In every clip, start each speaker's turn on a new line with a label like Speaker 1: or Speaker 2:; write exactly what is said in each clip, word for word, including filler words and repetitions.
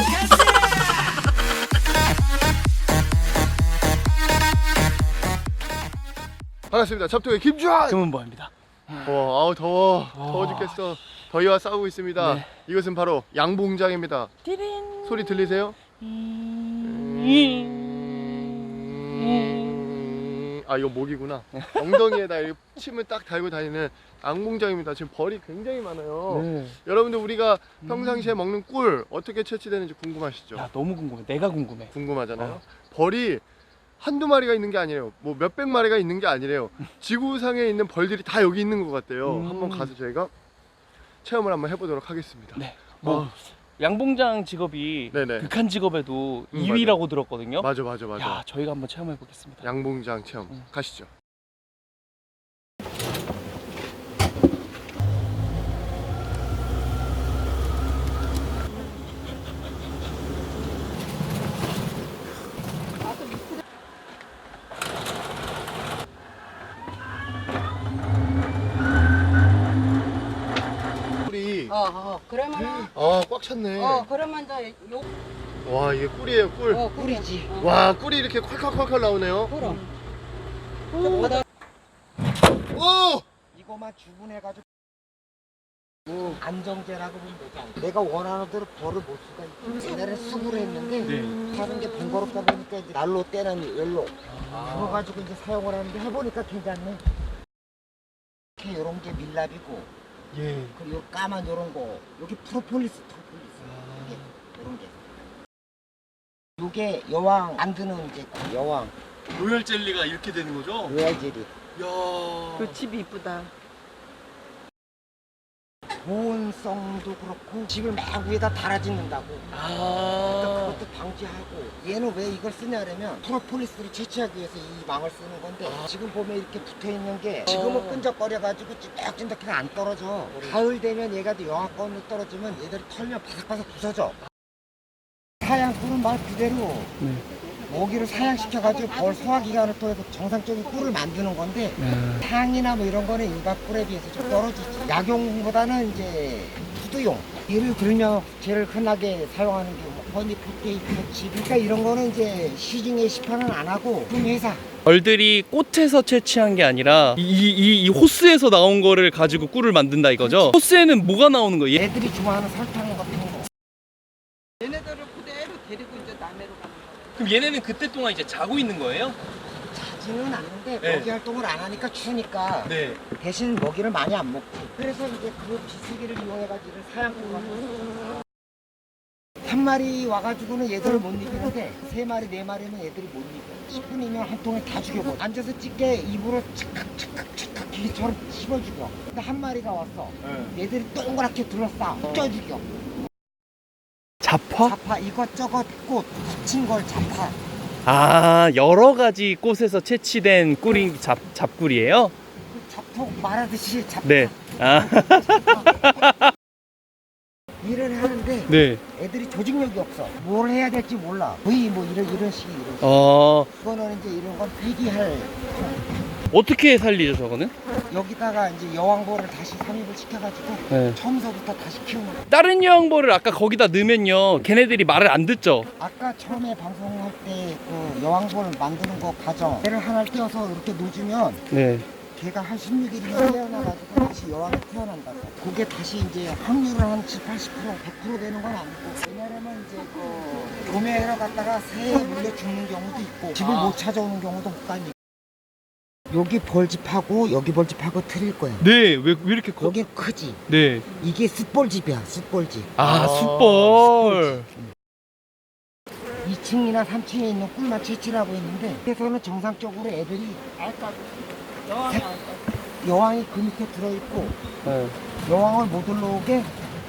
Speaker 1: 반갑습니다. 잡토의 김주환!
Speaker 2: 금은보입니다.
Speaker 1: 와, 아우 더워. 더워 죽겠어. 더위와 싸우고 있습니다. 네. 이것은 바로 양봉장입니다.
Speaker 3: 띠린.
Speaker 1: 소리 들리세요? 음... 아, 이거 목이구나. 엉덩이에다 침을 딱 달고 다니는 양봉장입니다. 지금 벌이 굉장히 많아요. 네. 여러분들 우리가 평상시에 먹는 꿀 어떻게 채취되는지 궁금하시죠?
Speaker 2: 야, 너무 궁금해. 내가 궁금해.
Speaker 1: 궁금하잖아요.
Speaker 2: 어.
Speaker 1: 벌이 한두 마리가 있는 게 아니래요. 뭐 몇백 마리가 있는 게 아니래요. 지구상에 있는 벌들이 다 여기 있는 것 같대요. 음. 한번 가서 저희가 체험을 한번 해보도록 하겠습니다.
Speaker 2: 네. 뭐
Speaker 1: 어.
Speaker 2: 양봉장 직업이
Speaker 1: 네네.
Speaker 2: 극한 직업에도
Speaker 1: 음,
Speaker 2: 이 위라고 들었거든요.
Speaker 1: 맞아 맞아 맞아.
Speaker 2: 야, 저희가 한번 체험해 보겠습니다.
Speaker 1: 양봉장 체험
Speaker 2: 음.
Speaker 1: 가시죠.
Speaker 3: 어, 어, 그러면은,
Speaker 1: 아, 꽉 찼네.
Speaker 3: 어, 그러면 저, 요,
Speaker 1: 와, 이게 꿀이에요, 꿀.
Speaker 3: 어, 꿀이지. 어.
Speaker 1: 와, 꿀이 이렇게 콸콸콸콸 나오네요.
Speaker 3: 그럼.
Speaker 1: 오! 오!
Speaker 4: 이거만 주문해가지고 뭐 안정제라고 보면 되지 않나. 내가 원하는 대로 벌을 못 수가 있지. 옛날에 수구를 했는데
Speaker 2: 네.
Speaker 4: 하는 게 번거롭다 보니까 이제 날로 때는 열로
Speaker 2: 아.
Speaker 4: 그거 가지고 이제 사용을 하는데 해보니까 괜찮네. 이렇게 요런 게 밀랍이고
Speaker 1: 예.
Speaker 4: 그리고 요 까만 요런 거 여기 프로폴리스 프로폴리스 이게 요런 게 요게 여왕 만드는 이제 여왕
Speaker 1: 로열 젤리가 이렇게 되는 거죠?
Speaker 4: 로얄 젤리.
Speaker 1: 야.
Speaker 3: 그 집이 이쁘다.
Speaker 4: 보온성도 그렇고 집을 막 위에다 달아짓는다고.
Speaker 2: 아.
Speaker 4: 그러니까 그것도 방지하고. 얘는 왜 이걸 쓰냐면 프로폴리스를 채취하기 위해서 이 망을 쓰는 건데
Speaker 2: 아.
Speaker 4: 지금 보면 이렇게 붙어 있는 게 지금은 끈적거려가지고 찐득찐득해서 안 떨어져. 가을 되면 얘가 또 영하권으로 떨어지면 얘들이 털면 바삭바삭 부서져. 사양꿀은 말 그대로
Speaker 2: 네.
Speaker 4: 모기를 사양시켜가지고 벌 소화기관을 통해서 정상적인 꿀을 만드는 건데
Speaker 2: 네.
Speaker 4: 향이나 뭐 이런 거는 일반 꿀에 비해서 좀 떨어지지. 약용보다는 이제 푸드용. 예를 들면 제일 흔하게 사용하는 게 뭐 허니 포테이토 칩. 그러니까 이런 거는 이제 시중에 시판은 안 하고 품회사.
Speaker 2: 벌들이 꽃에서 채취한 게 아니라 이, 이, 이 호스에서 나온 거를 가지고 꿀을 만든다 이거죠? 호스에는 뭐가 나오는 거예요?
Speaker 4: 애들이 좋아하는 설탕 같은 거.
Speaker 3: 얘네들을 그대로 데리고 이제 남해로 가는 거야.
Speaker 2: 그럼 얘네는 그때 동안 이제 자고 있는 거예요?
Speaker 4: 자지는 않는데
Speaker 2: 네.
Speaker 4: 먹이 활동을 안 하니까 추우니까
Speaker 2: 네.
Speaker 4: 대신 먹이를 많이 안 먹지. 그래서 이제 그 비스기를 이용해가지고 사양꾼 같은 한 마리 와가지고는 얘들을 못 이기는데 세 마리 네 마리는 얘들이 못 이겨. 십 분이면 한 통에 다 죽여버려. 앉아서 찌게 입으로 착각 착각 착각 기처럼 씹어 죽여. 근데 한 마리가 왔어.
Speaker 2: 네.
Speaker 4: 얘들이 동그랗게 둘러싸. 쪄 죽여.
Speaker 2: 잡화?
Speaker 4: 잡화 이것저것 꽃 붙인 걸 잡화.
Speaker 2: 아, 여러 가지 꽃에서 채취된 꿀이 잡, 잡꿀이에요?
Speaker 4: 그 잡토 말하듯이 잡화.
Speaker 2: 네. 아.
Speaker 4: 일을 하는데
Speaker 2: 네.
Speaker 4: 애들이 조직력이 없어. 뭘 해야 될지 몰라. 거의 뭐 이런 이런 식이 이런 식.
Speaker 2: 어,
Speaker 4: 이거는 이제 이런 건 폐기할.
Speaker 2: 어떻게 살리죠, 저거는?
Speaker 4: 여기다가 이제 여왕벌을 다시 삽입을 시켜가지고
Speaker 2: 네.
Speaker 4: 처음서부터 다시 키우는 거야.
Speaker 2: 다른 여왕벌을 아까 거기다 넣으면요, 걔네들이 말을 안 듣죠?
Speaker 4: 아까 처음에 방송할 때 그 여왕벌 만드는 거 과정 얘를 하나를 떼어서 이렇게 놓주면
Speaker 2: 네.
Speaker 4: 걔가 한 십육 일이면 태어나가지고 다시 여왕이 태어난다고. 그게 다시 이제 확률은 한 칠십, 팔십 퍼센트, 백 퍼센트 되는 건 아니고 왜냐면 이제 그 도매하러 갔다가 새에 물려 죽는 경우도 있고 집을 못 찾아오는 경우도 없다니. 여기 벌집하고 여기 벌집하고 틀릴 거야.
Speaker 2: 네, 왜, 왜 이렇게 커?
Speaker 4: 여긴 크지.
Speaker 2: 네.
Speaker 4: 이게 숯벌집이야, 숯벌집.
Speaker 2: 아, 숯벌.
Speaker 4: 이 층이나 삼 층에 있는 꿀만 채취를 하고 있는데 그래서는 정상적으로 애들이
Speaker 3: 여왕이 알
Speaker 4: 여왕이 그 밑에 들어있고
Speaker 2: 네.
Speaker 4: 여왕을 못 올라오게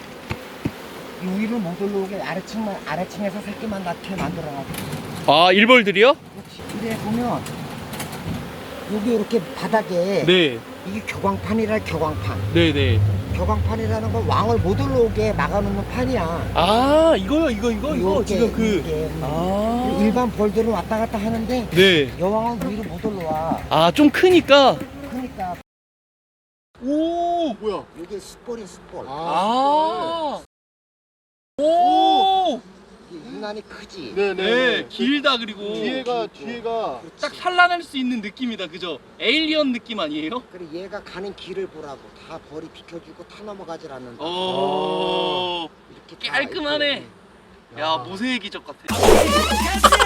Speaker 4: 위를 못 올라오게 아래층만 아래층에서 새끼만 낳게 만들어가지고.
Speaker 2: 아, 일벌들이요?
Speaker 4: 그렇지. 근데 보면 여기 이렇게 바닥에
Speaker 2: 네.
Speaker 4: 이게 교광판이라 교광판.
Speaker 2: 네네.
Speaker 4: 교광판이라는 건 왕을 못 올라오게 막아놓는 판이야.
Speaker 2: 아, 이거요, 이거, 이거, 이거.
Speaker 4: 요게,
Speaker 2: 지금 그.
Speaker 4: 이게.
Speaker 2: 아.
Speaker 4: 일반 벌들은 왔다 갔다 하는데
Speaker 2: 네.
Speaker 4: 여왕은 위로 못 올라와.
Speaker 2: 아, 좀 크니까.
Speaker 4: 그러니까
Speaker 2: 오!
Speaker 1: 뭐야?
Speaker 4: 이게 숯벌이 숯벌.
Speaker 2: 아. 오!
Speaker 4: 유난히 크지.
Speaker 1: 네네.
Speaker 2: 네, 길다. 그리고
Speaker 1: 뒤에가 뒤에가
Speaker 2: 딱 산란할 수 있는 느낌이다. 그죠? 에일리언 느낌 아니에요?
Speaker 4: 그래 얘가 가는 길을 보라고 다 벌이 비켜주고 타 넘어가질 않는다.
Speaker 2: 오,
Speaker 4: 이렇게 다
Speaker 2: 깔끔하네.
Speaker 4: 있고.
Speaker 2: 야, 모세의 기적 같아.